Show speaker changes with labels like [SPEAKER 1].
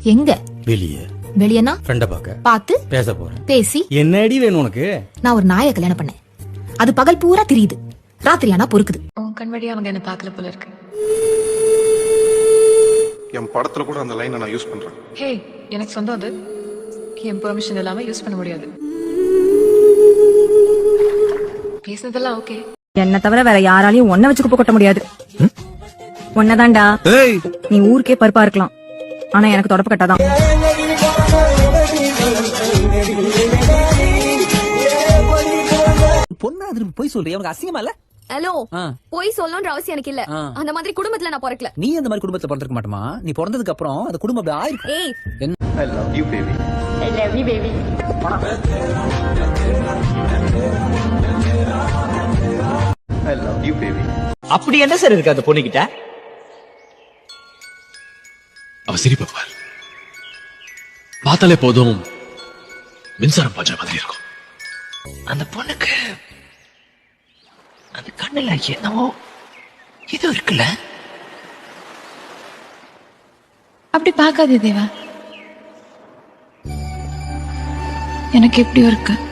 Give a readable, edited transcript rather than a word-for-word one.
[SPEAKER 1] எங்க?
[SPEAKER 2] வெளியே.
[SPEAKER 1] வெளியனா?
[SPEAKER 2] ஃப்ரெண்ட பார்த்து பேச போறேன்.
[SPEAKER 1] பேசி
[SPEAKER 2] என்னடி வேணும் உனக்கு?
[SPEAKER 1] நான் ஒரு நாயை கல்யாணம் பண்ணேன். அது பகல் பூரா திரியுது, ராத்திரி ஆனா பொறுக்குது.
[SPEAKER 3] உன் கண் வழியா அவங்க என்ன பார்க்கல போல இருக்கு.
[SPEAKER 4] என் படத்துல கூட அந்த லைனை நான் யூஸ் பண்றேன்.
[SPEAKER 3] ஹே, எனக்கு சொந்தம் அது. என் பெர்மிஷன் இல்லாம யூஸ் பண்ண முடியாது. பேசுனதெல்லாம் ஓகே.
[SPEAKER 5] என்ன தவிர வேற யாராலையும் ஒன்ன வச்சு குப்பை கொட்ட முடியாது. ஒன்னதான்டா. நீ ஊருக்கே பருப்பா இருக்கலாம், ஆனா எனக்கு தொடப்பு கட்டாதான்.
[SPEAKER 6] பொண்ணா திருப்பி போய் சொல்றியா? உனக்கு அசிங்கமா இல்ல?
[SPEAKER 7] ஹலோ, போய் சொல்லணும்ன்ற அவசியம் எனக்கு இல்ல. அந்த மாதிரி குடும்பத்துல நான் பிறக்கல.
[SPEAKER 6] நீ அந்த மாதிரி குடும்பத்துல பிறந்திருக்க மாட்டமா? நீ பிறந்ததுக்கு அப்புறம் அந்த குடும்பம் அப்படி ஆயிருக்கும்.
[SPEAKER 7] ஏய்,
[SPEAKER 4] I love you baby.
[SPEAKER 7] I love you baby.
[SPEAKER 4] I love you baby.
[SPEAKER 6] அப்படி என்ன சார் இருக்கு அந்த பொண்ணு கிட்ட?
[SPEAKER 8] அவ சிரிப்பார், பார்த்தாலே போதும் மின்சாரம் பாய்ச்ச மாதிரி இருக்கும்.
[SPEAKER 6] அந்த பொண்ணுக்கு அந்த கண்ணுல என்னவோ இது இருக்குல்ல.
[SPEAKER 3] அப்படி பார்க்காதே தேவா, எனக்கு எப்படியோ இருக்கு.